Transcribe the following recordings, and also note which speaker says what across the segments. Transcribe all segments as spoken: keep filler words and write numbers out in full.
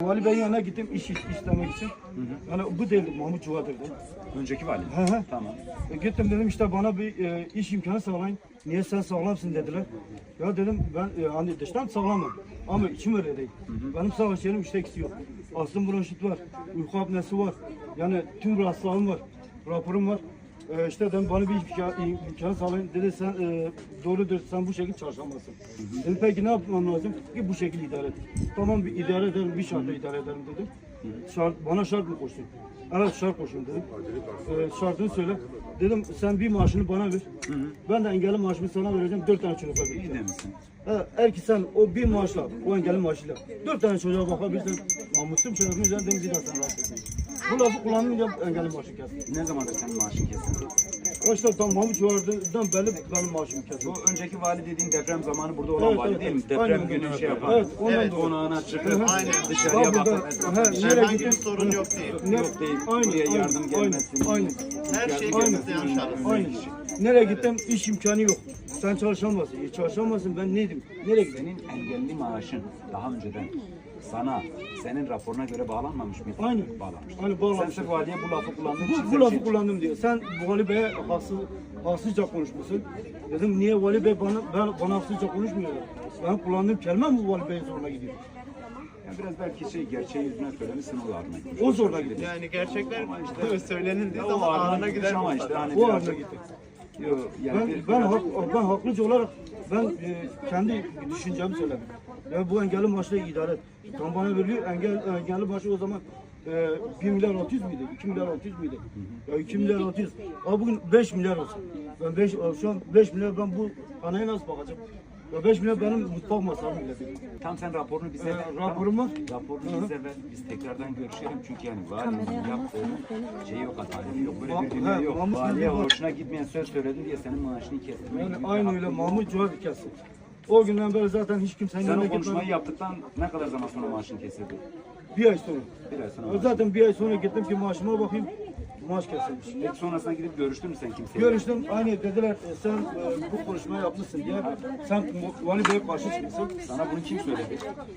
Speaker 1: Vali Bey'in yanına gittim iş istemek için. Hı hı. Yani bu değil Mahmut Cuvadır'dı.
Speaker 2: Önceki vali.
Speaker 1: Hı hı.
Speaker 2: Tamam.
Speaker 1: E, gittim dedim işte bana bir e, iş imkanı sağlayın. Niye sen sağlamsın dediler. Ya dedim ben e, hani dıştan sağlamım ama içim öyle değil. Hı hı. Benim savaş yerim işte eksiği yok. Astım bronşit var, uyku apnesi var. Yani tüm rahatsızlığım var, raporum var. E, işte dedim bana bir imkan, imkan sağlayın. Dedi sen e, doğrudur sen bu şekilde çalışamazsın. Hı hı. Dedim peki ne yapmam lazım? Ki bu şekilde idare et. Tamam bir idare ederim, bir şartla idare ederim dedim. Şart, bana şart mı koştun? Evet şart koşun dedim. Ee, şartını söyle. Dedim sen bir maaşını bana ver. Hı hı. Ben de engelli maaşımı sana vereceğim. Dört tane çocuğa vereceğim.
Speaker 2: İyi demişsin.
Speaker 1: Ha, eğer ki sen o bir maaşla, o engelli maaşıyla dört tane çocuğa bakabilirsen namusum şerefim üzerinde bir daha sen rahat etsin. Bu lafı kullanınca engelli maaşı kesin.
Speaker 2: Ne zamandır senin maaşın kesildi?
Speaker 1: İşte tam Mahmut Çuvardı'dan belli benim maaşım kesin.
Speaker 2: Bu önceki vali dediğin deprem zamanı burada olan
Speaker 1: Evet,
Speaker 2: vali
Speaker 1: evet,
Speaker 2: değil mi?
Speaker 1: evet.
Speaker 2: Deprem
Speaker 1: Aynen,
Speaker 2: günü
Speaker 1: evet.
Speaker 2: şey yapan.
Speaker 1: Evet, ondan
Speaker 2: evet
Speaker 1: dolayı.
Speaker 2: konağına çıkıp
Speaker 1: Aynen.
Speaker 2: dışarıya
Speaker 1: Bak burada,
Speaker 2: bakıp.
Speaker 1: ha, nereye
Speaker 3: Herhangi
Speaker 1: gittim?
Speaker 3: bir sorun yok değil.
Speaker 1: Ne-
Speaker 2: Yok değil.
Speaker 1: Aynen,
Speaker 2: Buraya
Speaker 1: aynen,
Speaker 2: yardım gelmesin.
Speaker 1: Aynen.
Speaker 3: Her şey
Speaker 1: Aynen.
Speaker 3: gönlünüzde yaşarız.
Speaker 1: Aynen. Nereye gittim? İş imkanı yok. Sen çalışamazsın. E, çalışamazsın ben neydim? Nereye gittim?
Speaker 2: Senin engelli maaşın daha önceden sana, senin raporuna göre bağlanmamış mıydı?
Speaker 1: Aynen.
Speaker 2: Bağlanmış.
Speaker 1: Aynen, bağlanmış.
Speaker 2: Sen sırf valiye bu lafı kullandığın için.
Speaker 1: Bu, bu lafı kullandım diyor. Sen Vali Bey'e haksız, haksızca konuşmuşsun. Dedim niye Vali Bey bana, ben, bana haksızca konuşmuyor? Ben kullandığım kelime mi Vali Bey'in zoruna gidiyor?
Speaker 2: Yani biraz belki şey gerçeği yüzüne söylemişsin o ağrına gitmiş.
Speaker 1: O zoruna gidiyor.
Speaker 3: Yani gerçekler işte söylenildiği
Speaker 2: O
Speaker 3: zaman
Speaker 2: ağrına
Speaker 3: ağrına
Speaker 2: gitmiş
Speaker 3: gider
Speaker 2: ama
Speaker 3: mi?
Speaker 2: işte hani
Speaker 1: O
Speaker 2: birazcık-
Speaker 1: haline gitti.
Speaker 2: Yok yani
Speaker 1: Ben,
Speaker 2: bir-
Speaker 1: ben,
Speaker 2: birazcık-
Speaker 1: hak, ben haklıca olarak ben e, kendi düşüncemi söyledim. Ya bu engelli maaşla idare et. Tam bana veriliyor engel, engelli maaşı o zaman e, bir milyar altı yüz müydü? iki milyar altı yüz müydü? Ya iki milyar altı yüz. Ama bugün beş milyar olsun. Ben beş, şu an beş milyar ben bu anaya nasıl bakacağım? Ya beş milyar benim mutfak masrafım bile değil.
Speaker 2: Tam sen raporunu bize
Speaker 1: Ee,
Speaker 2: ver.
Speaker 1: raporum var.
Speaker 2: Raporunu bize ver. Biz tekrardan görüşelim. Çünkü yani valinin yaptığının şeyi yok, adaleti yok. Böyle bir dünya
Speaker 1: He,
Speaker 2: yok.
Speaker 1: Mahmut
Speaker 2: Valiye
Speaker 1: Bey var.
Speaker 2: hoşuna gitmeyen söz söyledin diye senin maaşını kestirmeye
Speaker 1: Yani
Speaker 2: gibi bir
Speaker 1: aynı
Speaker 2: hakkın
Speaker 1: öyle
Speaker 2: yok.
Speaker 1: Mahmut Cuhar kesin. O günden beri zaten hiç kimsenin
Speaker 2: Sen
Speaker 1: yanına
Speaker 2: o konuşmayı
Speaker 1: gitmedim.
Speaker 2: yaptıktan ne kadar zaman sonra maaşını kesildi?
Speaker 1: Bir ay sonra.
Speaker 2: Bir ay sonra.
Speaker 1: Ya
Speaker 2: maaşını-
Speaker 1: zaten bir ay sonra gittim ki maaşıma bakayım. Maaş kesilmiş.
Speaker 2: Peki sonrasında gidip görüştün mü sen kimseyle?
Speaker 1: Görüştüm aynı dediler e, sen e, bu konuşmayı yapmışsın diye sen Vali Bey'e karşı çıkmışsın.
Speaker 2: Sana bunu kim söyledi?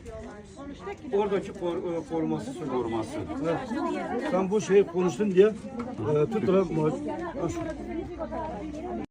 Speaker 1: Oradaki kor, e, koruması söyledi.
Speaker 2: Koruması.
Speaker 1: Evet. Sen bu şeyi konuştun diye e, tuttular. ma-